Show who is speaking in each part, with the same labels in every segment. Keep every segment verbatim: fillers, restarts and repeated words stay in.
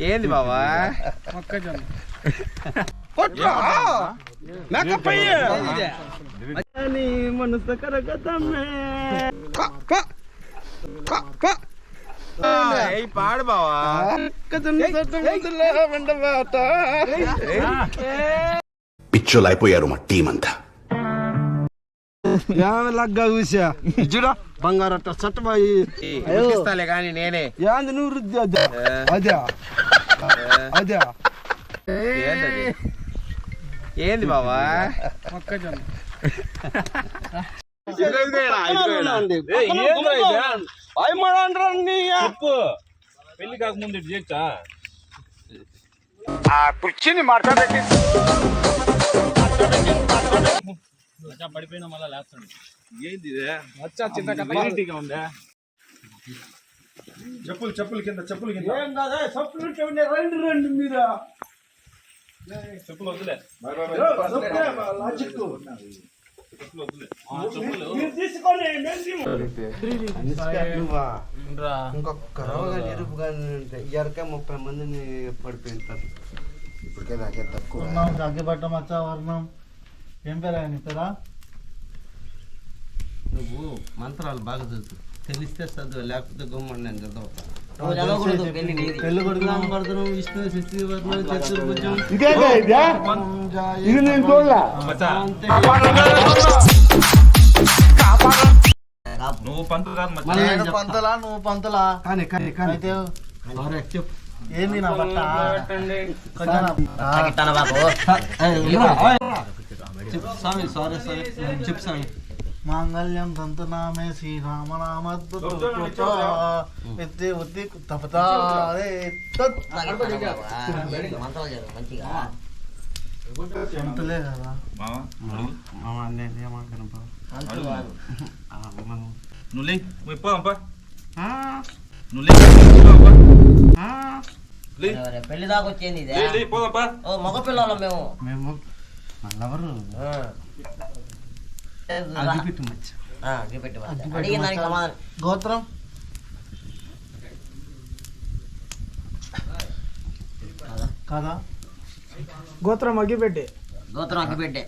Speaker 1: ఏంది బావా మనసు పాడు బావా
Speaker 2: పిచ్చోలు అయిపోయారు మా టీం అంతా.
Speaker 3: లగ్గా చూసా చూడా బంగారు అట్ట చట్టబాయి
Speaker 1: ఇస్తాలే కానీ నేనే
Speaker 3: ఏంది నువ్వు రుద్ది అదే అదే అదే
Speaker 1: ఏంది బావా
Speaker 4: పెళ్లి కాకముందు చేయొచ్చా
Speaker 3: కూర్చుని మాట్లాడేది
Speaker 4: పడిపోయినా మళ్ళా లేస్తాడు. ఏంది
Speaker 3: చింతగా
Speaker 4: ఉందా?
Speaker 3: చెప్పులు చెప్పులు కింద చెప్పులు కింద చెప్పులు రండి రండి మీరు
Speaker 4: చెప్పులు వద్దులే
Speaker 3: ఇంకొక రోగాలు ఎరుపుగానే ఉంటాయి. ఎరకే ముప్పై మందిని పడిపోయింటారు. ఇప్పటికే నాకే తక్కువ
Speaker 5: అగ్గిపట్ట మచ్చ వర్ణం ఏం పేరు ఆయన పేరా?
Speaker 3: నువ్వు మంత్రాలు బాగా చదువు, తెలిస్తే చదువు, లేకపోతే గమ్మని నేను చదువుతాను.
Speaker 5: పెళ్లి కొడుకు నామకరణం విష్ణు శశివర్ణం చతుర్భుజం
Speaker 4: నువ్వు పంతులు కాదు
Speaker 5: పంతలా నువ్వు పంతలా
Speaker 3: కానీ కానీ కానీ
Speaker 5: అయితే
Speaker 3: చెప్పు
Speaker 5: ఏంది నా బట్ట
Speaker 3: స్వామి సారీ సారీ చెప్పు స్వామి.
Speaker 5: మాంగళ్యం తంతునామే శ్రీరామనామద్భుత ఎత్తి ఉత్తి తపతా పంతులే కదా
Speaker 4: నువ్వు లే పోదాంపా
Speaker 6: పెళ్లి దాకా వచ్చేది
Speaker 4: పోదాంపా
Speaker 6: మగ పిల్లలు మేము
Speaker 5: మేము మళ్ళెవరు
Speaker 6: అడిగిన దానికి సమాధానం.
Speaker 5: గోత్రం కదా
Speaker 7: గోత్రం అగ్గిపెట్టి
Speaker 6: గోత్రం అగ్గిపెట్టే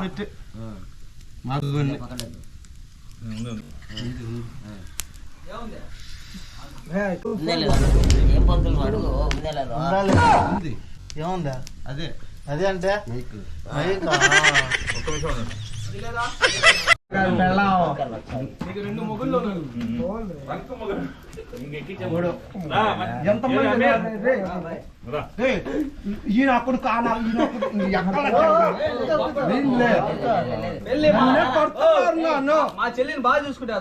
Speaker 6: ఏం పంతులు అడుగు ఉందే లేదు
Speaker 5: ఏముందా
Speaker 3: అదే
Speaker 5: అదే అంటే
Speaker 7: రెండు మొగుళ్ళు
Speaker 3: ఈయన అప్పుడు కానాలి
Speaker 7: మా చెల్లిని బాగా చూసుకుంటా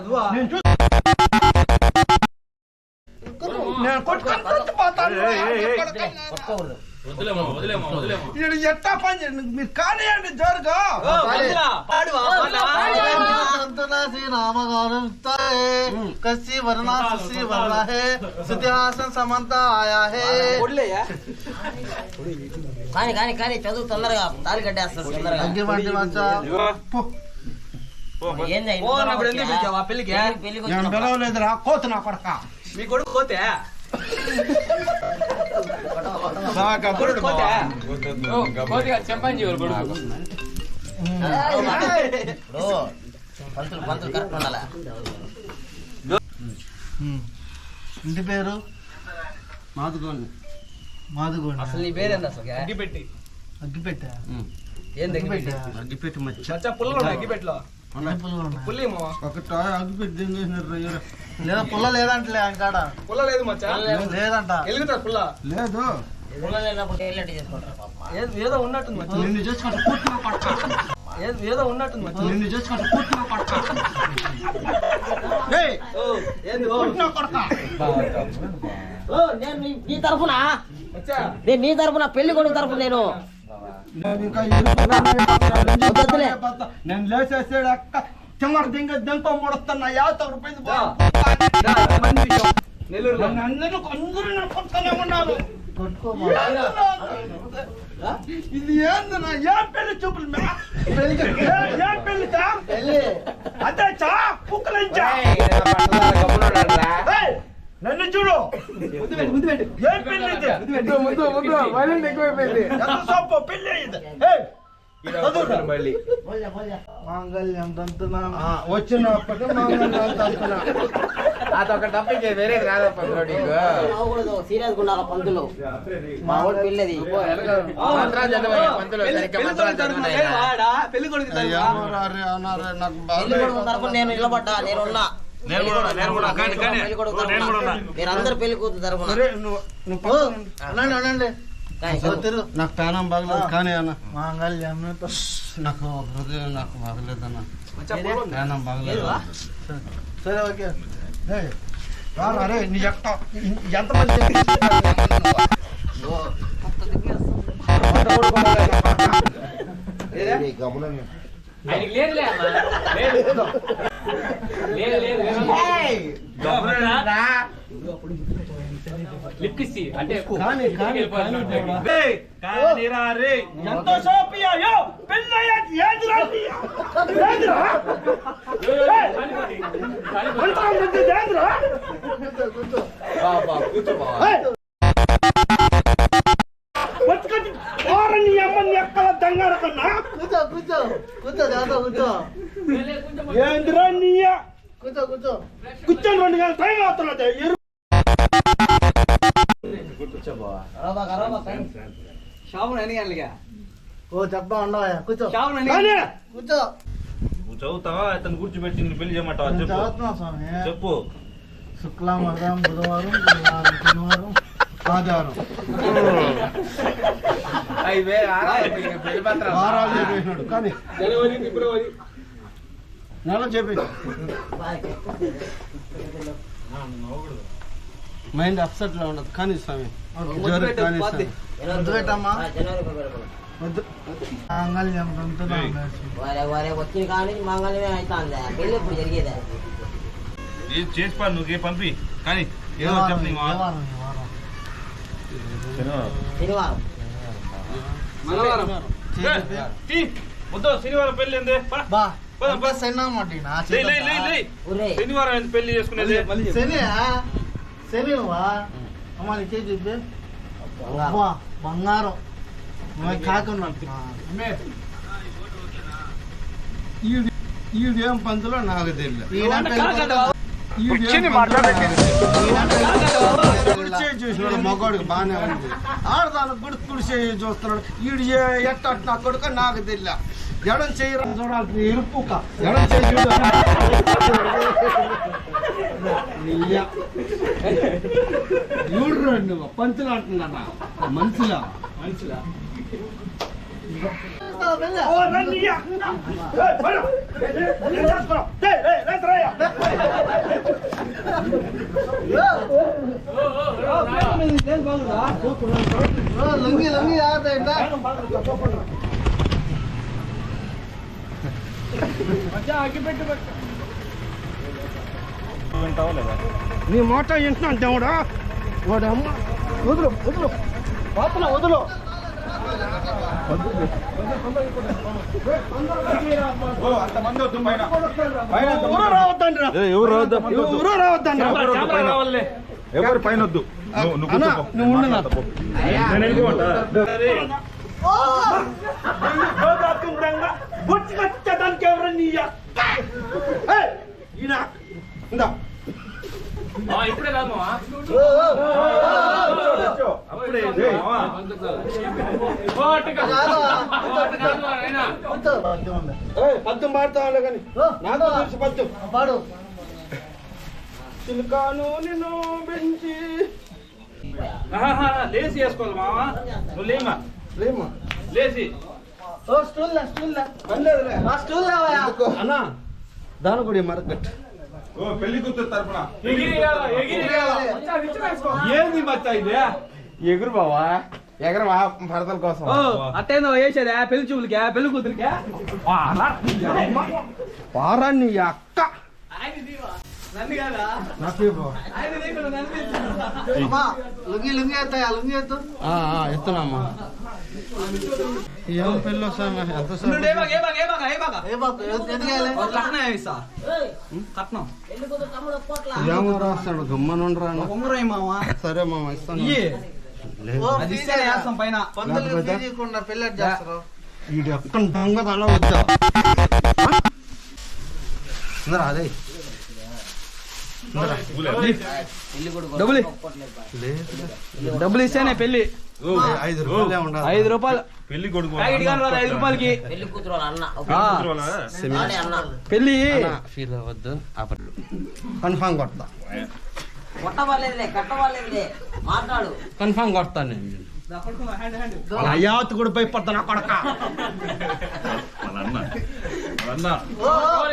Speaker 3: ఎట్టా పని చేయండి మీరు కానియండి జోరుగా
Speaker 5: కసి వర్ణ సుసి వర్ణ హే సుత్యాసన్ సమంత ఆయా హే
Speaker 6: కానీ కానీ కానీ చదువు తొందరగా తాలి కట్టేస్తారు తొందరగా.
Speaker 5: అగ్గిపట్టి మచ్చ
Speaker 6: ఏంది
Speaker 7: పెళ్లికి
Speaker 6: పెళ్లికి
Speaker 3: నేను పిలవలేదురా కోత నా కొడక
Speaker 7: మీ కొడుకు పోతే
Speaker 6: పంతులు పంతులు కరెక్ట్ ఉండాలా?
Speaker 5: ఇంటి పేరు
Speaker 3: మాదుగోండి
Speaker 5: మాదుగోండి.
Speaker 7: అసలు నీ పేరేంది అసలు? అగ్గిపెట్టి.
Speaker 5: అగ్గిపెట్టా
Speaker 7: ఏంది అగ్గిపెట్టి?
Speaker 3: అగ్గిపెట్టి మచ్చ
Speaker 7: చచ్చా పుల్లలు ఉన్నాయి అగ్గిపెట్టలో. పుల్లి
Speaker 3: ఒకట అగ్గిపెట్టి
Speaker 5: లేదా పుల్ల లేదంటలే ఆయన కాడ
Speaker 7: పుల్ల లేదు మచ్చా,
Speaker 5: లేదంట.
Speaker 7: వెలుగుతా పుల్ల
Speaker 3: లేదు.
Speaker 7: ఏదో ఉన్నట్టుంది మచ్చా,
Speaker 3: నిన్ను చేసుకుంటే పూర్తిగా పట్ట
Speaker 7: ఏదో ఉన్నట్టుంది మచ్చా,
Speaker 3: నిన్ను చేసుకుంటే పూర్తిగా పట్ట
Speaker 7: ఏంది
Speaker 6: నేను నీ తరఫున నేను నీ తరఫున పెళ్లి కొడుకు తరఫున నేను
Speaker 3: నేను లేచేసాడు అక్క చిమ్మర దింగ దింప ముడుతున్నా యాభై రూపాయలు అందరూ అందరూ కొట్టుకునే ఉన్నారు. ఇది ఏందన్నా ఏ పెళ్లి చూపులు ఏ పెళ్లితా అదే చా పుక్కలించా
Speaker 1: నన్ను చూడు
Speaker 7: ముందు పెట్టు ముందు పెట్టు
Speaker 1: ఏం పెళ్లి ఇది?
Speaker 7: ముందు ముందు ముందు వైలెంట్ ఎక్కువైపోయింది
Speaker 1: ఎంత సొప్పు పెళ్లి ఇది? ఏయ్! ఈడ వదలరు మళ్ళీ
Speaker 5: మాంగళ్యం తంతునా
Speaker 3: ఆ, వచ్చినప్పటి మాంగళ్యం తంతునా.
Speaker 1: అదొక తప్పించే వేరేది కాదప్ప నీకు
Speaker 6: సీరియస్ ఉండాలి పంతులు మా వాడు పెళ్ళది
Speaker 1: మంత్రాలు చదవయ్యా పంతులు సరిగ్గా మంత్రాలు చదవనయ్యా.
Speaker 7: వాడా పెళ్లి కొడుకు
Speaker 3: అయ్యా, అరే, అన్నారే, నాకు
Speaker 6: పెళ్లి కొడుకు
Speaker 3: బాగా
Speaker 6: తరపున నేను నిలబడ్డా నేను ఉన్నా
Speaker 4: నేను కూడా ఉన్నా, నేను కూడా ఉన్నా. కానీ, కానీ,
Speaker 6: పెళ్లి కొడుకు
Speaker 4: నేను కూడా ఉన్నా.
Speaker 6: తరపున మీరందరూ పెళ్లి కూతురు తరపున
Speaker 3: అరే, నువ్వు నువ్వు
Speaker 5: ఓ,
Speaker 3: పక్కన ఉండు.
Speaker 5: అనండి అనండి
Speaker 6: కానీ
Speaker 5: ఓ, తిరుగు
Speaker 3: నాకు ప్రాణం బాగలేదు కానీ అన్న
Speaker 5: మాంగళ్యం
Speaker 3: నాకు హృదయం నాకు బాగలేదన్న
Speaker 7: మచ్చా ఫోన్
Speaker 3: ప్రాణం బాగలేదు
Speaker 6: ఏదివా?
Speaker 5: సరే ఓకే
Speaker 3: ఏయ్, రారా, అరే నీ ఎక్క ఎంతమంది
Speaker 8: ఆయనకి లేదులే అమ్మా. లేదు లేదు లేదు లిప్ కిస్ ఇయ్యి. అంటే
Speaker 3: కానీ కానీ
Speaker 4: ఏయ్, కానీ రా రే.
Speaker 1: ఎంత సోపియా యో పెళ్ళయ్యాక ఏందిరా నీయా? ఏందిరా? మంత్రం ముందు ఏందిరా? బాబా కూర్చో బాబా. బతుకటి ఓరని అమ్మని ఎక్కల దంగార కన్నా
Speaker 5: కూర్చో కూర్చో కూర్చో దాదా కూర్చో
Speaker 1: ఏందిరా నీయా?
Speaker 5: కూర్చో కూర్చో
Speaker 1: కూర్చొని రెండు గంటల టైం అవుతున్నది. ఎరు
Speaker 7: షాపులు ఎన్ని గంటలుగా
Speaker 5: ఓ చెప్పా ఉండవా కూర్చో
Speaker 7: షాపులు ఎన్ని
Speaker 1: కానీ
Speaker 5: కూర్చో
Speaker 4: నువ్వు చదువుతావా అతను కూర్చోబెట్టి నిన్ను పెళ్లి చేయమంటావా
Speaker 5: నేను
Speaker 4: చెప్పు
Speaker 5: చదువుతున్నా స్వామి
Speaker 4: చెప్పు
Speaker 5: శుక్లామర్గం బుధవారం గురువారం శనివారం ఆదివారం
Speaker 1: అయ్యే ఆరాధన పెళ్లి పత్రాలు
Speaker 3: వారాలు చెప్పేసినాడు కానీ
Speaker 7: జనవరి ఫిబ్రవరి
Speaker 3: నెల చెప్పి మైండ్ అప్సెట్ లో ఉండదు కానీ స్వామి జ్వరం కానీ స్వామి
Speaker 5: వద్దు పెట్టమ్మా
Speaker 6: జనవరి ఫిబ్రవరి
Speaker 5: వద్దు మాంగళ్యం తంతునా
Speaker 6: వారే వారే వచ్చిన కానీ మంగళమే అవుతుంది పెళ్ళి ఇప్పుడు జరిగేదే
Speaker 4: ఏం చేసి పా నువ్వు పంపి కానీ
Speaker 5: ఏ
Speaker 4: ఏదో
Speaker 5: వారం
Speaker 4: చెప్పు
Speaker 5: ఏ
Speaker 4: నీ మాట.
Speaker 5: వారం ఏ వారం
Speaker 6: శనివారం
Speaker 7: మంగళవారం
Speaker 4: ఏ, తీ. వద్దు శనివారం పెళ్లి ఏంది పా.
Speaker 5: బా
Speaker 4: పోదాం, పో.
Speaker 5: సెన్నా మాటినా
Speaker 4: లే, లే, లే, లే.
Speaker 6: ఊరే
Speaker 4: శనివారం ఏంది పెళ్లి చేసుకునేది
Speaker 7: మళ్ళీ చెప్పు.
Speaker 5: శని శని నువ్వా అమ్మ నీ చేసి చెప్పి అబ్బా బంగారం నువ్వు కాకుండా
Speaker 3: ఈడేం పంతులో నాకు తెలియదు కుడిచే చూసినాడు మగవాడికి బాగానే ఉంది ఆడదానికి కూడా కుడిచే చూస్తున్నాడు ఈడు ఎట్ట నా కొడుక నాకు తెలియ ఎడం చేయరా చూడాలి ఎరుపుక ఎడం చేయి చూడు నువ్వు పంతులు అంటున్నా మనుషులా
Speaker 7: మనుషులా
Speaker 1: ఓ రన్నీయా ఏయ్ బడ ఏం చేస్తున్నావ్? ఏయ్ ఏయ్ లేదురాయ్యా.
Speaker 5: లుంగి లుంగి ఆగుతాయిందా
Speaker 3: నీ మాట వింటున్నాను దేవుడా వాడు అమ్మ వదులు వదులు పాపల వదులు
Speaker 4: ఓ, అంతమంది వద్దు పైన. పైన అంతమంది
Speaker 3: ఎవరు రావద్దండి
Speaker 4: ఏ, ఎవరు రావద్దు, మంది వద్దు.
Speaker 3: ఎవరు రావద్దండి
Speaker 4: ఎవరు వద్దు, పైన. ఎవరు పైన వద్దు నువ్వు నువ్వు
Speaker 3: అన్నా,
Speaker 4: కూర్చోపో.
Speaker 3: నువ్వు ఉండు నా.
Speaker 4: మాట్లాడతా పో. నేను వెళ్ళిపోమంటా? అరే,
Speaker 1: గోదాకుండంగా బొట్టుకొచ్చేదానికి ఎవరన్నీయా? ఏయ్ ఈయన ఇందా
Speaker 8: ఆ, ఇప్పుడే కాదు మావా.
Speaker 4: అప్పుడే ఏంది, మావా?
Speaker 8: ఓ, అట్టు కాదు. ఓ, అట్టు కాదు నాయనా.
Speaker 3: ఏయ్, పద్యం పాడతావులే కానీ నాకు తెలిసి పద్యం
Speaker 5: పాడు
Speaker 3: చిలుకాను నిన్ను పెంచి
Speaker 4: ఆహాహా, లేచి వేసుకోవాలి మావా. నువ్వు లేమా
Speaker 3: లేమ్మా
Speaker 4: లేచి
Speaker 5: ఓ స్టూల్ లే స్టూల్ లే
Speaker 3: పర్లేదులే
Speaker 5: ఆ స్టూల్ లేవయ్యా
Speaker 3: అన్నా దాని కూడా మరకట్
Speaker 4: ఓ పెళ్లి కూతురు తరపున
Speaker 8: ఎగిరి కాదు, ఎగిరి కాదు. మచ్చా, విచ్చి వేసుకో.
Speaker 1: ఏంది మచ్చ ఇది ఎగురు బావా ఎగరు భరతల కోసం
Speaker 7: ఓ అట్టేందో వేసేదా పెళ్లి చూపులకే పెళ్లి కూతురికే
Speaker 3: వారాన్ని ఈ అక్క
Speaker 7: నన్ను కాదా
Speaker 3: నాకు
Speaker 7: ఆయన నీకు నన్ను
Speaker 5: అమ్మా లుంగి లుంగి ఎత్తాయా లుంగి ఎత్తు
Speaker 3: ఎత్తున్నామ్మా ఏం పెళ్ళి వస్తామా ఎంత
Speaker 7: ఉండు, ఏ బాగా, ఏ బాగా, ఏ బాగా, ఏ బాగా?
Speaker 5: ఏ బాబు ఎందుకు వేయాలి?
Speaker 7: ఒక కట్నం వేయిస్తా. కట్నం.
Speaker 6: పెళ్లి కూతురు తమ్ముడు ఒప్పుకోట్లా.
Speaker 3: ఏమో రాస్తాడు గమ్మనుండరా
Speaker 7: ఒక ఉంగరం ఇయ్యి మామ.
Speaker 3: సరే మామ ఇస్తాను
Speaker 7: ఇయ్యి.
Speaker 5: ఓ,
Speaker 7: అది ఇస్తేనే వేస్తాం పైన.
Speaker 5: పందులు తీయకుండా పెళ్ళి ఎట్ట చేస్తారు?
Speaker 3: వీడు ఎక్కడ దొంగ తల వచ్చా అదే
Speaker 7: డబ్బులు ఇ- డబ్బులు ఇస్తేనే పెళ్లి.
Speaker 3: ఐదు రూపాయలే ఉండాలి
Speaker 7: ఐదు రూపాయలు
Speaker 1: పెళ్లి కొడుకు
Speaker 7: ప్యాకెట్ కానీ రాదు ఐదు రూపాయలకి.
Speaker 6: పెళ్లి కూతురు వాళ్ళ అన్న
Speaker 7: ఆ,
Speaker 6: వాడే అన్న.
Speaker 7: పెళ్లి
Speaker 3: ఫీల్ అవ్వద్దు కన్ఫామ్ కొడతా
Speaker 6: కొట్టవాలేదులే కట్టవాలేదులే మాట్లాడు.
Speaker 3: కన్ఫామ్ కొడతాను నేను అయ్యాత్ కూడా భయపడతా నా కొడక
Speaker 1: వాళ్ళ అన్న వాళ్ళ అన్న
Speaker 5: ఓ, ఓ.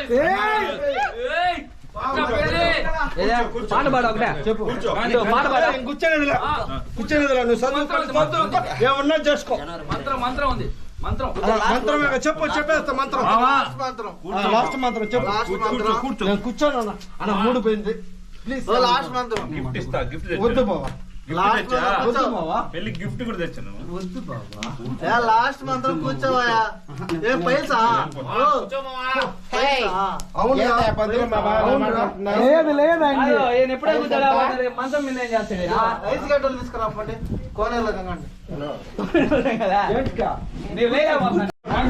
Speaker 7: ఏదే, పాట పాడు ఒకటే.
Speaker 3: చెప్పు
Speaker 7: ఇదో, పాట పాడు.
Speaker 3: కూర్చోనేదిలా కూర్చోనేదిలా నువ్వు చదువు ఏమన్నా చేసుకో
Speaker 7: మంత్రం మంత్రం ఉంది మంత్రం.
Speaker 3: ఆ, మంత్రమే కదా, చెప్పు చెప్పేస్తా మంత్రం
Speaker 5: లాస్ట్ మాత్రం
Speaker 3: లాస్ట్ మంత్రం చెప్పు
Speaker 5: లాస్ట్ మంత్రం
Speaker 3: నేను కూర్చోను అన్న అన్న మూడు పోయింది ప్లీజ్
Speaker 5: ఓ, లాస్ట్ మంత్రం
Speaker 1: గిఫ్ట్ ఇస్తా గిఫ్ట్
Speaker 3: వద్దు బావా
Speaker 5: లాస్ట్
Speaker 1: తెచ్చా?
Speaker 5: మంత్రం
Speaker 3: వద్దు
Speaker 5: కూర్చో.
Speaker 3: బావా
Speaker 1: పెళ్లి గిఫ్ట్ కూడా తెచ్చాను
Speaker 3: వద్దు బావా
Speaker 5: ఏ, లాస్ట్ మంత్రం కూర్చోవయ్యా. ఏ పైసా ఓ, పైసా?
Speaker 3: అవునురా అవునురా
Speaker 7: లేదు లేదండి. ఈయన ఎప్పుడో కూర్చోలే, వాడు మంచం మీద ఏం చేస్తాడు ఈయన?
Speaker 5: ఐస్ గడ్డలు తీసుకురాపండి కోనేరులో కంగండి.
Speaker 7: కదా? నీవు లేకపోతున్నా.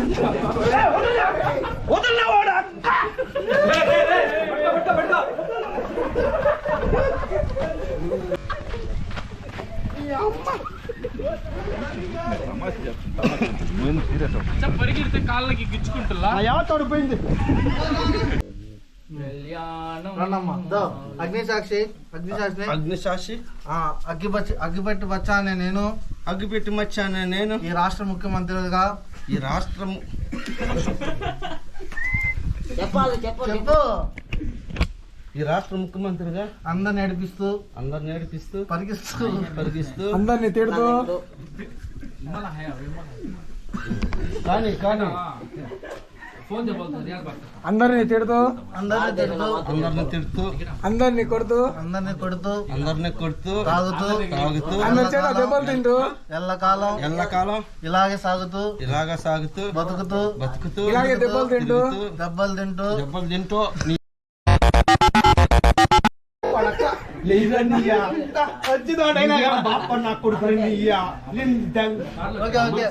Speaker 1: వదలవాడా
Speaker 7: పట్టుకో, పట్టుకో. పరిగెడితే కాళ్ళకి గిచ్చుకుంటున్నా.
Speaker 3: యావతోడు పోయింది
Speaker 5: రండమ్మా. దో, అగ్నిసాక్షి అగ్నిసాక్షి
Speaker 3: అగ్నిసాక్షి
Speaker 5: ఆ, అగ్గిపచ్చి అగ్గిపెట్టి వచ్చానే నేను
Speaker 3: అగ్గిపెట్టి మచ్చానే నేను
Speaker 5: ఈ రాష్ట్ర ముఖ్యమంత్రిగా
Speaker 3: ఈ రాష్ట్రం
Speaker 6: చెప్పాలి చెప్పు
Speaker 5: చెప్పు
Speaker 3: ఈ రాష్ట్ర ముఖ్యమంత్రిగా
Speaker 5: అందరు నడిపిస్తూ
Speaker 3: అందరు నేర్పిస్తూ
Speaker 5: పరిగిస్తూ
Speaker 3: పరిగిస్తూ
Speaker 7: అందరినీ తిడుతూ
Speaker 3: కానీ కానీ
Speaker 7: అందరినీ తిడుతూ
Speaker 5: అందరిని తిడుతూ
Speaker 3: అందరిని తిడుతూ
Speaker 7: అందరినీ కొడుతూ
Speaker 5: అందరిని కొడుతూ
Speaker 3: అందరిని కొడుతూ
Speaker 5: తాగుతూ
Speaker 3: తాగుతూ
Speaker 7: అందరి చేత దెబ్బలు తింటూ
Speaker 5: ఎల్లకాలం
Speaker 3: ఎల్లకాలం
Speaker 5: ఇలాగే సాగుతూ
Speaker 3: ఇలాగా సాగుతూ
Speaker 5: బతుకుతూ
Speaker 3: బతుకుతూ
Speaker 7: ఇలాగే దెబ్బలు తింటూ
Speaker 3: తిరుగుతూ,
Speaker 5: దెబ్బలు తింటూ
Speaker 3: దెబ్బలు తింటూ నీ బాప నా కొడుకు
Speaker 5: ఓకే ఓకే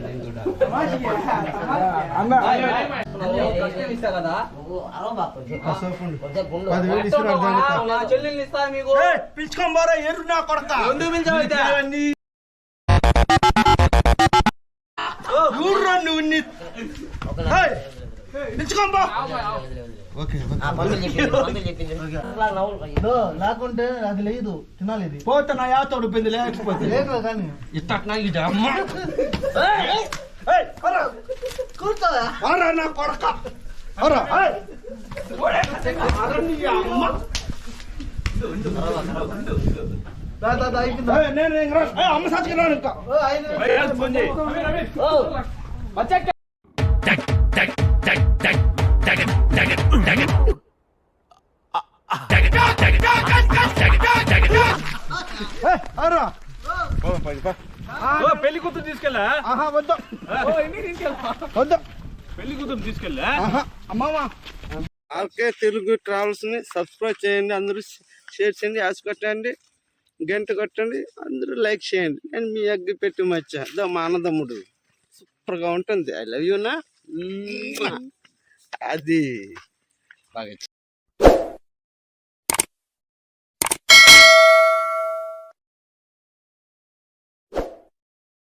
Speaker 7: ఇస్తా కదా.
Speaker 6: నువ్వు అరవబాకు చెప్పు. కొద్దిగా గుండు.
Speaker 3: పదివేలు ఇస్తున్నారు దానికి.
Speaker 7: నా చెల్లెల్ని ఇస్తా మీకు.
Speaker 3: పిలుచుకొని పోరా ఎరు నా కొడతా
Speaker 7: ఎందుకు పిలిచావైతే?
Speaker 3: ఊర్రా నువ్వు నీ-
Speaker 6: ఒక
Speaker 3: ఏయ్, పిలుచుకొని పో ఓకే
Speaker 6: ఆ పంతులు చెప్పింది పంతులు చెప్పింది అట్లా నవ్వులు.
Speaker 5: ఇదో, లేకుంటే అది లేదు తినాలి ఇది
Speaker 3: పోతే నా యాతోడు పోయింది లేకపోతే
Speaker 5: లేదు కానీ
Speaker 3: ఇట్టట్నా ఇది అమ్మ
Speaker 6: ఏయ్,
Speaker 3: ఏయ్, అరా,
Speaker 5: కూర్చోవా
Speaker 3: అరా నా కొడక అరా, ఏయ్. అరా నీ అమ్మ.
Speaker 5: దా, దా, దా, అయిపోయిందా?
Speaker 3: ఏయ్, నేను ఇంక రా- ఏయ్, అమ్మ సచ్చికి రాను ఇంకా
Speaker 5: ఓ, అయిపోయింది.
Speaker 1: ఫోన్ చేయి
Speaker 6: ఓ,
Speaker 7: వచ్చాక
Speaker 3: ఏయ్, అరా
Speaker 1: పెళ్లి కూతురు తీసుకెళ్ళా
Speaker 3: ఆహా వద్దు వద్దు
Speaker 1: పెళ్లి కూతురు తీసుకెళ్ళా
Speaker 3: ఆహా అమ్మమ్మ ఆర్కే తెలుగు ట్రావెల్స్ ని సబ్స్క్రైబ్ చేయండి అందరూ షేర్ చేయండి యాస్ కొట్టండి గంట కొట్టండి అందరూ లైక్ చేయండి నేను మీ అగ్గి పెట్టి మచ్చా దో మా అన్నదమ్ముడు సూపర్గా ఉంటుంది ఐ లవ్ యూనా అది బాగా